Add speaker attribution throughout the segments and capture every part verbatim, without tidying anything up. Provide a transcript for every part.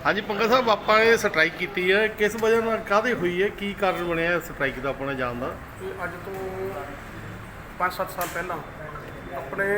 Speaker 1: हाँ जी पंगा साहब आपने स्ट्राइक की है, किस वजह ਨਾਲ ਕਾਹਦੇ हुई है, की कारण बनया स्ट्राइक का अपने जान का?
Speaker 2: अज तो पाँच सत्त साल पहला अपने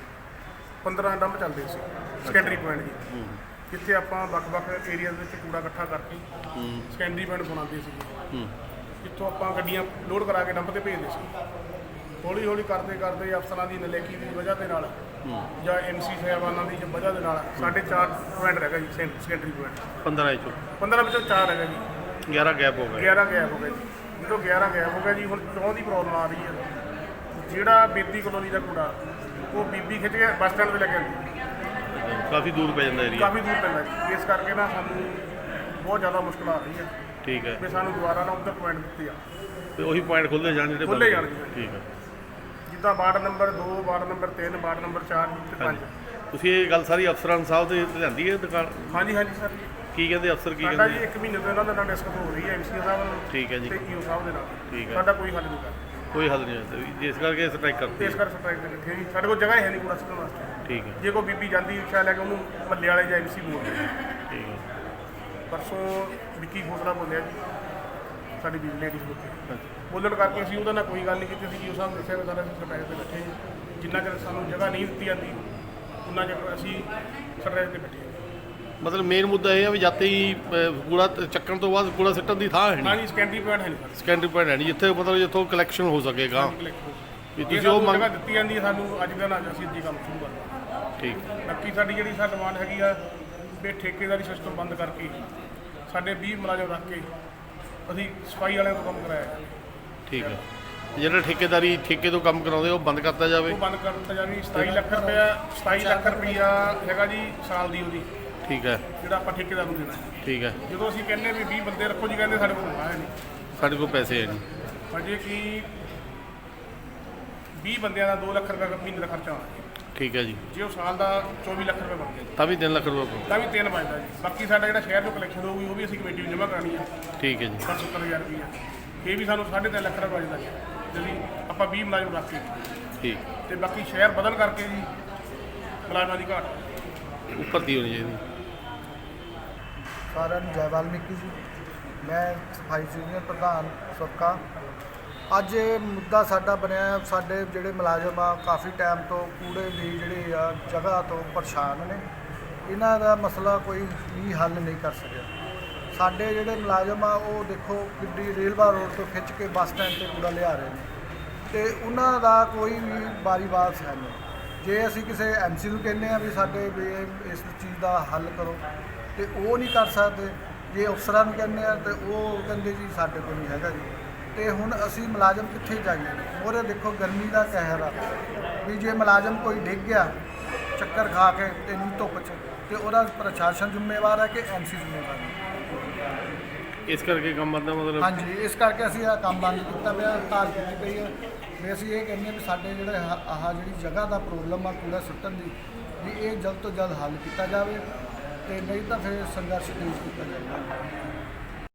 Speaker 2: पंद्रह डंप चलते सी सैकेंडरी पॉइंट जी, जिथे आप ਵੱਖ-ਵੱਖ एरिया कूड़ा इकट्ठा करके सैकेंडरी पॉइंट बनाते सी, जितों आप गड्डियां लोड करा के डंप से भेजते सी। हौली हौली करते करते अफसरों की नलैकी की वजह के नाल ਜਾਂ एम सी साहबाना की वजह के नाल साढ़े चार पॉइंट रहेगा जी सैकेंडरी पॉइंट
Speaker 1: पंद्रह चो
Speaker 2: पंद्रह विचों चार रहेगा जी,
Speaker 1: ग्यारह गैप हो गए
Speaker 2: ग्यारह गैप हो गए जी। जो ग्यारह गैप हो गया जी, हुण चौं की प्रॉब्लम आ रही है। जिहड़ा बेदी कलोनी का कूड़ा वो बीबी खिच के बस स्टैंड पर लगे
Speaker 1: काफ़ी दूर पै जाता एरिया,
Speaker 2: काफ़ी दूर पैंदा जी। इस करके ना सानू बहुत ज़्यादा मुश्किल आ रही है।
Speaker 1: ठीक है,
Speaker 2: भी सानू दोबारा ना उधर पॉइंट दिते आ
Speaker 1: तो वही पॉइंट खुलते जाने ਜਿਹੜੇ
Speaker 2: खुले
Speaker 1: ਬੰਦ-
Speaker 2: जाने
Speaker 1: ठीक है।
Speaker 2: जिद्दां वार्ड नंबर दो, वार्ड नंबर तीन, वार्ड नंबर चार ते
Speaker 1: हाँ
Speaker 2: पंज।
Speaker 1: जी, ਤੁਸੀਂ ਇਹ ਗੱਲ ਸਾਰੀ ਅਫਸਰਾਂ ਸਾਹਿਬ ਦੇ ਲਿਆਂਦੀ ਹੈ ਦੁਕਾਨ?
Speaker 2: हाँ जी हाँ जी सर,
Speaker 1: ਕੀ ਕਹਿੰਦੇ ਅਫਸਰ, ਕੀ
Speaker 2: ਸਾਡਾ ਜੀ
Speaker 1: ਕਹਿੰਦੇ?
Speaker 2: ਇੱਕ ਮਹੀਨੇ ਤੋਂ ਇਹਨਾਂ ਦੇ ਨਾਲ ਡਿਸਕਸ ਹੋ ਰਹੀ ਹੈ ਐਮ ਸੀ ਸਾਹਿਬ ਨਾਲ
Speaker 1: ਠੀਕ ਹੈ ਜੀ,
Speaker 2: ਤੇ ਈਓ ਸਾਹਿਬ ਦੇ ਨਾਲ।
Speaker 1: ਠੀਕ ਹੈ।
Speaker 2: ਸਾਡਾ ਕੋਈ ਹੱਲ ਨਹੀਂ ਕਰ
Speaker 1: ਕੋਈ ਹੱਲ ਨਹੀਂ ਹੋਇਆ ਜਿਸ ਕਰਕੇ ਸਟ੍ਰਾਈਕ ਕਰਤੀ
Speaker 2: ਇਸ ਕਰਕੇ ਸਟ੍ਰਾਈਕ ਤੇ ਬੈਠੇ ਜੀ। ਸਾਡੇ ਕੋਲ ਜਗ੍ਹਾ ਹੈ ਨਹੀਂ ਕੂੜਾ ਸੁੱਟਣ ਵਾਸਤੇ।
Speaker 1: ਠੀਕ ਹੈ,
Speaker 2: ਜੇ ਕੋਈ ਬੀਬੀ ਜਾਂਦੀ ਰਿਕਸ਼ਾ ਲੈ ਕੇ ਉਹਨੂੰ ਮੱਲੇ ਵਾਲੇ ਜਾਂ ਐਮ ਸੀ ਬੋਲਦੇ।
Speaker 1: ਠੀਕ ਹੈ।
Speaker 2: ਪਰਸੋਂ ਵਿੱਕੀ ਖੋਸਲਾ ਬੋਲਿਆ ਜੀ, ਸਾਡੀ ਬੀਬੀ ਲੇਡੀਜ਼ ਬੋਲੀ
Speaker 1: ਹਾਂਜੀ,
Speaker 2: ਬੋਲਣ ਕਰਕੇ ਅਸੀਂ ਉਹਦੇ ਨਾਲ ਕੋਈ ਗੱਲ ਨਹੀਂ ਕੀਤੀ। ਅਸੀਂ ਈਓ ਸਾਹਿਬ ਨੂੰ ਦੱਸਿਆ ਵੀ ਸਾਡਾ ਅਸੀਂ ਸਟ੍ਰਾਈਕ ਤੇ ਬੈਠੇ ਜੀ, ਜਿੰਨਾ ਚਿਰ ਸਾਨੂੰ ਜਗ੍ਹਾ ਨਹੀਂ ਦਿੱਤੀ ਜਾਂਦੀ ਉਹਨਾਂ ਚਿਰ ਅਸੀਂ ਸਟ੍ਰਾਈਕ ਤੇ ਬੈਠੇ ਹਾਂ।
Speaker 1: ਮਤਲਬ ਮੇਨ ਮੁੱਦਾ ਇਹ ਹੈ ਵੀ ਜਾਤੇ ਹੀ ਅਹ, ਕੂੜਾ ਤ- ਚੱਕਣ ਤੋਂ ਬਾਅਦ ਕੂੜਾ ਸਿੱਟਣ ਦੀ ਥਾਂ ਹੈ
Speaker 2: ਹਾਂ
Speaker 1: ਨਹੀਂ,
Speaker 2: ਜੀ, ਸੈਕੰਡਰੀ ਪੁਆਇੰਟ ਹੈ ਨਹੀਂ
Speaker 1: ਸੈਕੰਡਰੀ ਪੁਆਇੰਟ ਹੈ ਨਹੀਂ ਜਿੱਥੇ ਮਤਲਬ ਜਿੱਥੋਂ ਕਲੈਕਸ਼ਨ ਹੋ ਸਕੇਗਾ।
Speaker 2: ਸਾਡੇ।
Speaker 1: ਵੀ
Speaker 2: ਜੇ
Speaker 1: ਤੁਸੀਂ ਉਹ
Speaker 2: ਸਾਨੂੰ
Speaker 1: ਮੰਗ
Speaker 2: ਜਗ੍ਹਾ ਦਿੱਤੀ ਜਾਂਦੀ ਹੈ ਸਾਨੂੰ ਅੱਜ ਦਾ ਨਾ ਅਸੀਂ ਅੱਜੀ ਕੰਮ ਸ਼ੁਰੂ ਕਰਨਾ।
Speaker 1: ਠੀਕ,
Speaker 2: ਬਾਕੀ ਸਾਡੀ ਜਿਹੜੀ ਸਾਡੀ ਡਿਮਾਂਡ ਹੈਗੀ ਆ ਵੀ ਠੇਕੇਦਾਰੀ ਸਿਸਟਮ ਬੰਦ ਕਰਕੇ ਸਾਡੇ ਵੀਹ ਮੁਲਾਜ਼ਮ ਰੱਖ ਕੇ ਅਸੀਂ ਸਫਾਈ ਵਾਲਿਆਂ ਤੋਂ ਕੰਮ ਕਰਾਇਆ ਜਾਵੇ।
Speaker 1: ਠੀਕ ਹੈ। ਜਿਹੜਾ ਠੇਕੇਦਾਰੀ ਠੇਕੇ ਤੋਂ ਕੰਮ ਕਰਾਉਂਦੇ ਉਹ ਬੰਦ ਕਰਤਾ ਜਾਵੇ।
Speaker 2: ਉਹ ਬੰਦ ਕਰ ਦਿੱਤਾ ਜਾਵੇ। ਸਤਾਈ ਲੱਖ ਰੁਪਇਆ ਸਤਾਈ ਲੱਖ ਰੁਪਇਆ ਹੈਗਾ ਜੀ ਸਾਲ ਦੀ ਉਹਦੀ,
Speaker 1: ਠੀਕ ਹੈ,
Speaker 2: ਜਿਹੜਾ ਆਪਾਂ ਠੇਕੇਦਾਰ ਨੂੰ ਦੇਣਾ ਹੈ।
Speaker 1: ਠੀਕ ਹੈ।
Speaker 2: ਜਦੋਂ ਅਸੀਂ ਕਹਿੰਦੇ ਵੀ ਵੀਹ ਬੰਦੇ ਰੱਖੋ ਜੀ, ਕਹਿੰਦੇ ਸਾਡੇ ਕੋਲ ਹੈ ਨਹੀਂ।
Speaker 1: ਸਾਡੇ ਕੋਲ ਪੈਸੇ ਹੈ ਨਹੀਂ।
Speaker 2: ਅਜੇ ਕਿ ਵੀਹ ਬੰਦਿਆਂ ਦਾ ਦੋ ਲੱਖ ਰੁਪਏ ਮਹੀਨੇ ਦਾ ਖਰਚਾ ਆਉਣਾ ਜੀ।
Speaker 1: ਠੀਕ ਹੈ ਜੀ,
Speaker 2: ਜੇ ਉਹ ਸਾਲ ਦਾ ਚੌਵੀ ਲੱਖ ਰੁਪਏ ਬਣ ਗਿਆ ਜੀ,
Speaker 1: ਤਾਂ ਵੀ ਤਿੰਨ ਲੱਖ ਰੁਪਏ।
Speaker 2: ਤਾਂ ਵੀ ਤਿੰਨ ਬਚਦਾ ਜੀ। ਬਾਕੀ ਸਾਡਾ ਜਿਹੜਾ ਸ਼ਹਿਰ ਤੋਂ ਕਲੈਕਸ਼ਨ ਹੋਊਗੀ ਉਹ ਵੀ ਅਸੀਂ ਕਮੇਟੀ ਨੂੰ ਜਮ੍ਹਾਂ ਕਰਾਉਣੀ ਹੈ
Speaker 1: ਠੀਕ ਹੈ ਜੀ,
Speaker 2: ਸੱਤਰ ਹਜ਼ਾਰ ਰੁਪਈਆ। ਇਹ ਵੀ ਸਾਨੂੰ ਸਾਢੇ ਤਿੰਨ ਲੱਖ ਰੁਪਏ ਬਚਦਾ ਜੀ, ਜਿਹੜੀ ਆਪਾਂ ਵੀਹ ਮੁਲਾਜ਼ਮ ਰੱਖ ਕੇ।
Speaker 1: ਠੀਕ,
Speaker 2: ਤੇ ਬਾਕੀ ਸ਼ਹਿਰ ਬਦਲ ਕਰਕੇ ਜੀ ਮੁਲਾਜ਼ਮਾਂ ਦੀ ਘਾਟ।
Speaker 1: ਉੱਪਰ ਦੀ ਹੋਣੀ ਚਾਹੀਦੀ।
Speaker 3: ਸਾਰਿਆਂ ਨੂੰ ਜੈ ਵਾਲਮੀਕੀ ਜੀ। ਮੈਂ ਸਫਾਈ ਯੂਨੀਅਨ ਪ੍ਰਧਾਨ ਸੁੱਕਾ। ਅੱਜ ਇਹ ਮੁੱਦਾ ਸਾਡਾ ਬਣਿਆ, ਸਾਡੇ ਜਿਹੜੇ ਮੁਲਾਜ਼ਮ ਆ ਕਾਫੀ ਟਾਈਮ ਤੋਂ ਕੂੜੇ ਦੀ ਜਿਹੜੀ ਆ ਜਗ੍ਹਾ ਤੋਂ ਪਰੇਸ਼ਾਨ ਨੇ। ਇਹਨਾਂ ਦਾ ਮਸਲਾ ਕੋਈ ਵੀ ਹੱਲ ਨਹੀਂ ਕਰ ਸਕਿਆ। ਸਾਡੇ ਜਿਹੜੇ ਮੁਲਾਜ਼ਮ ਆ ਉਹ ਦੇਖੋ ਕਿੱਡੀ ਰੇਲਵਾ ਰੋਡ ਤੋਂ ਖਿੱਚ ਕੇ ਬੱਸ ਸਟੈਂਡ 'ਤੇ ਕੂੜਾ ਲਿਆ ਰਹੇ ਨੇ ਤੇ ਉਹਨਾਂ ਦਾ ਕੋਈ ਵੀ ਵਾਰੀ ਬਾਤ ਹੈ ਨਹੀਂ। ਜੇ ਅਸੀਂ ਕਿਸੇ ਐਮ ਸੀ ਨੂੰ ਕਹਿੰਦੇ ਆ ਵੀ ਸਾਡੇ ਵੀ ਇਹ- ਇਸ ਚੀਜ਼ ਦਾ ਹੱਲ ਕਰੋ ਤੇ ਉਹ ਨਹੀਂ ਕਰ ਸਕਦੇ। ਜੇ ਅਫਸਰਾਂ ਨੂੰ ਕਹਿੰਦੇ ਆ ਤੇ ਉਹ ਕਹਿੰਦੇ ਜੀ ਸਾਡੇ ਕੋਲ ਨਹੀਂ ਹੈਗਾ ਜੀ। ਤੇ ਹੁਣ ਅਸੀਂ ਮੁਲਾਜ਼ਮ ਕਿੱਥੇ ਜਾਈਏ? ਉਹਦੇ ਦੇਖੋ ਗਰਮੀ ਦਾ ਕਹਿਰ ਆ ਵੀ ਜੇ ਮੁਲਾਜ਼ਮ ਕੋਈ ਡਿੱਗ ਗਿਆ ਚੱਕਰ ਖਾ ਕੇ ਇੰਨੀ ਧੁੱਪ 'ਚ ਤੇ ਉਹਦਾ ਪ੍ਰਸ਼ਾਸਨ ਜ਼ਿੰਮੇਵਾਰ ਹੈ ਕਿ ਐਮ ਸੀ ਜ਼ਿੰਮੇਵਾਰ ਹੈ?
Speaker 1: ਇਸ ਕਰਕੇ ਕੰਮ ਬੰਦਾ ਮਤਲਬ
Speaker 3: ਹਾਂਜੀ, ਇਸ ਕਰਕੇ ਅਸੀਂ ਇਹ ਕੰਮ ਬੰਦ ਕੀਤਾ ਪਿਆ, ਹੜਤਾਲ ਕੀਤੀ ਪਈ ਹੈ ਵੀ ਅਸੀਂ ਇਹ ਕਹਿੰਦੇ ਹਾਂ ਵੀ ਸਾਡੇ ਜਿਹੜੇ ਆਹ ਆਹ ਜਿਹੜੀ ਜਗ੍ਹਾ ਦਾ ਪ੍ਰੋਬਲਮ ਆ ਕੂੜਾ ਸੁੱਟਣ ਦੀ, ਵੀ ਇਹ ਜਲਦ ਤੋਂ ਜਲਦ ਹੱਲ ਕੀਤਾ ਜਾਵੇ ਤੇ ਨਹੀਂ ਤਾਂ ਫਿਰ ਸੰਘਰਸ਼ ਤੇਜ਼ ਕੀਤਾ ਜਾਵੇਗਾ।